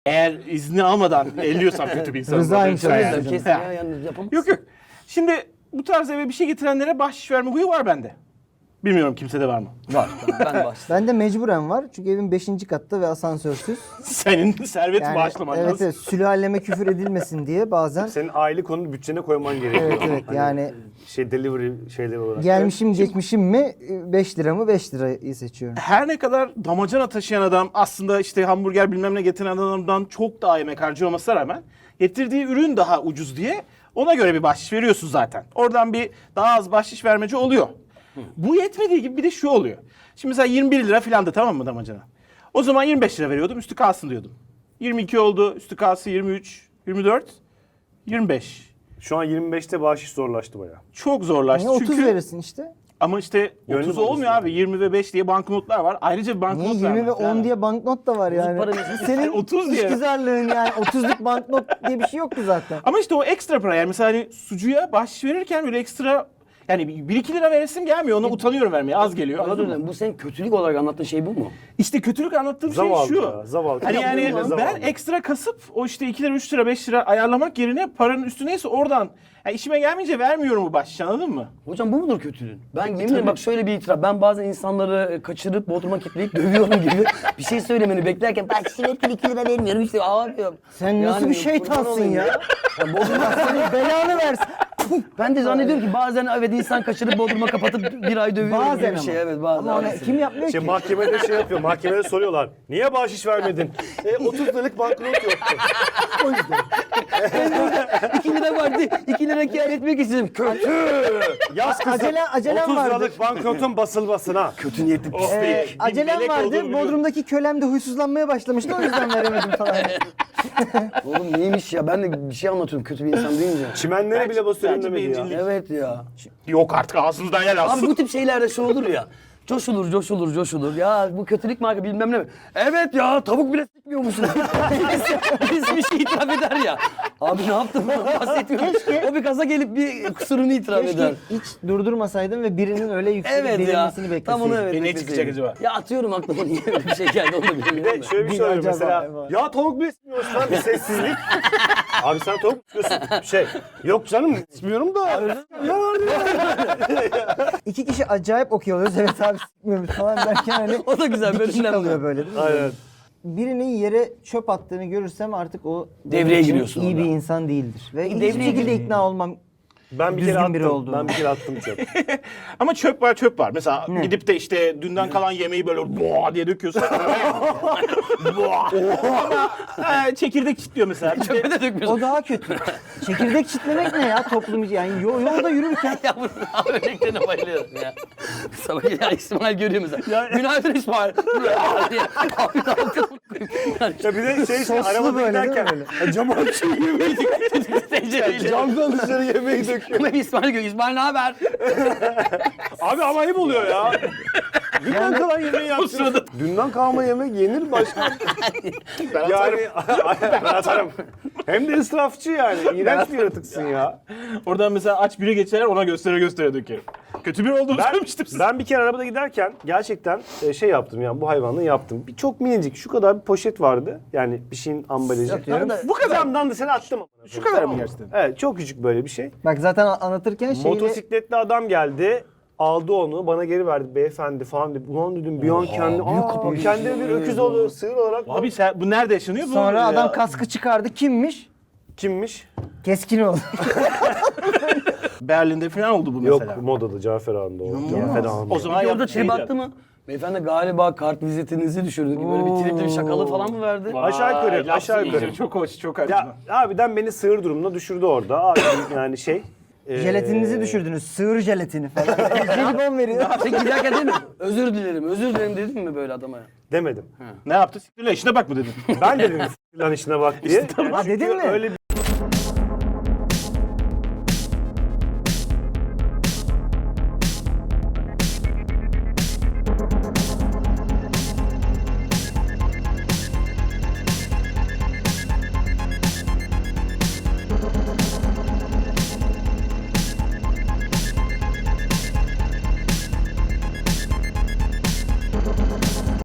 Eğer izni almadan elliyorsam kötü bir insanım. Rızaymış Yani. hocam. Kesin ya, yalnız yapamazsın. Yok yok. Şimdi bu tarz eve bir şey getirenlere bahşiş verme huyu var bende. Bilmiyorum kimsede var mı? Var. Ben baş. Bende mecburen var çünkü evim 5. katta ve asansörsüz. Senin servet Yani, bağışlaman evet, lazım. evet, sülaleme küfür edilmesin diye bazen. Senin aylık onu bütçene koyman gerekiyor. Evet evet Hani yani şey delivery şeyleri olarak. gelmişim geçmişim mi 5 lira mı 5 lirayı seçiyorum. Her ne kadar damacana taşıyan adam aslında işte hamburger bilmem ne getiren adamdan çok daha yemek harcıyor olmasına rağmen getirdiği ürün daha ucuz diye ona göre bir bahşiş veriyorsun zaten. Oradan bir daha az bahşiş vermece oluyor. Bu yetmediği gibi bir de şu oluyor. Şimdi mesela 21 lira filandı, tamam mı damacana? O zaman 25 lira veriyordum, üstü kalsın diyordum. 22 oldu, üstü kalsın 23, 24, 25. Şu an 25'te bahşiş zorlaştı bayağı. Çok zorlaştı Niye 30 çünkü... verirsin işte? Ama işte Gönlüm 30 olması olmuyor abi. 20 ve 5 diye banknotlar var. Ayrıca bir banknot Niye 20 ve vermez 10 yani. diye banknot da var yani. para verirsin. Senin 30 diye. işgüzarlığın yani 30'luk banknot diye bir şey yok ki zaten. Ama işte o ekstra para yani mesela hani sucuya bahşiş verirken böyle ekstra yani 1-2 lira veresim gelmiyor. Ona utanıyorum vermeye. Az geliyor. Özür Anladın mı? dilerim. Bu senin kötülük olarak anlattığın şey bu mu? İşte kötülük anlattığım Zavallı şey şu. ya, zavallı. Hani yani Yaptığın zavallı. ben ekstra kasıp o işte 2 lira 3 lira 5 lira ayarlamak yerine paranın üstü neyse oradan yani işime gelmeyince vermiyorum bu bahşiş, anladın mı? Hocam bu mudur kötülüğün? Ben yemin ederim bak şöyle bir itiraf. Ben bazen insanları kaçırıp bodruma kilitleyip dövüyorum gibi bir şey söylemeni beklerken bak şimdi 2 lira vermiyorum işte abi. Sen nasıl bir kurban şeytansın olayım ya? Ya bodruma Senin belanı versin. ben de zannediyorum ki bazen evet insan kaçırıp bodruma kapatıp bir ay dövüyorum gibi Bazen bir şey. ama. Evet bazen. Ama ona kim yapmıyor Şey ki? mahkemede şey yapıyor. Mahkemede soruyorlar. Niye bahşiş vermedin? 30 liralık banknot yoktu. 2 lira vardı. 2 lira kâr etmek istedim. Kötü. Yaz kızım. Acelem 30 vardı. liralık banknotun basılmasına. Kötü niyetli pislik. Acelem melek vardı. olduğunu biliyorum. Bodrum'daki kölem de huysuzlanmaya başlamıştı. O yüzden veremedim falan. Oğlum neymiş ya? Ben de bir şey anlatıyorum kötü bir insan deyince. Çimenlere bile basıyorum bence demedi ya. bencillik. Evet ya. Yok artık ağzınızdan yer alsın. Abi bu tip şeylerde şu olur ya. Coşulur. Ya bu kötülük marka bilmem ne mi? Evet ya tavuk bile sikmiyor musun? Birisi bir şey itiraf eder ya. Abi ne yaptın? Bahsetmiyorum. O bir kaza gelip bir kusurunu itiraf eder. Keşke hiç durdurmasaydım ve birinin öyle yükselip Evet ya. delirmesini bekleseydim. Tam onu evet. Ne bekleseydim. çıkacak acaba? Ya atıyorum aklıma niye öyle bir şey geldi onu da Bir bilmiyorum. de şöyle bir şey oluyor mesela. Ya tavuk bile istiyorsun lan, bir sessizlik. Abi sen tavuk mu istiyorsun? Yok canım istiyorum da. Ya İki kişi acayip okey oluyoruz. Evet abi sıkmıyoruz falan derken hani O da güzel, bir böyle kişi önemli. kalıyor böyle değil mi? Aynen. Birinin yere çöp attığını görürsem artık o Devreye benim için giriyorsun iyi bir orada. insan değildir. Ve hiçbir devreye şekilde gir- ikna olmam. Ben bir Düzgün kere biri attım. olduğunu. Ben bir kere attım çöp. Ama çöp var. Mesela gidip de işte dünden kalan yemeği böyle boğa diye döküyorsun. Boğa. Çekirdek çitliyor mesela. Bir de- Çöpe de dökmüyorsun. O daha kötü. Çekirdek çitlemek ne ya toplum yani yolda yürürken Ya bu örneklerine bayılıyorum ya. Sabah ya İsmail görüyor mesela. Günaydın İsmail. diye. Abi ne yaptın? Ya bir de şey Soslu arabada böyle değil mi giderken camı açıyor yemeği Tencereyle. camdan dışarı yemeği döküyor. Ama İsmail görüyor. İsmail ne haber? Abi ama ayıp oluyor ya. Dünden kalan yemeği yapsın. Dünden kalma yemek yenir başka. Yani ben atarım. Hem de israfçı yani. İğrenç bir yaratıksın ya. Oradan mesela aç biri geçer ona göstere dökerim. Kötü biri olduğunu söylemiştim size. Ben bir kere arabada giderken gerçekten şey yaptım yani bu hayvanlığı yaptım. Bir çok minicik şu kadar bir poşet vardı. Yani bir şeyin ambalajı. Atıyorum da- Bu kadardan da seni attım. Şu kadar mı gerçekten? Evet çok küçük böyle bir şey. bak zaten anlatırken şeyle Motosikletli adam geldi. Aldı onu bana geri verdi beyefendi falan dedi. Ulan dedim bir an kendine bir öküz olur sığır olarak. Abi sen bu nerede yaşanıyor? Bu sonra adam ya. kaskı çıkardı. Kimmiş? Kimmiş? Keskinoğlu. Berlin'de falan oldu bu mesela. Yok modada Cafer Ağa'nda o. Cafer Ağa'nda. O zaman Orada yaptı trip attı mı? Beyefendi galiba kart vizitinizi düşürdü gibi böyle bir tripli bir şakalı falan mı verdi? Aşağı yukarı, aşağı yukarı. Çok hoş, çok acı. Ya abiden beni sığır durumuna düşürdü orada. Abi yani şey. Jelatininizi düşürdünüz. Sığır jelatini falan. Jelibon veriyor. Sen giderken değil mi? Özür dilerim dedin mi böyle adama? Demedim. Ne yaptı? Siktirle işine bak mı dedin? Ben dedim lan işine bak diye. Ha, dedin Çünkü mi? Öyle bir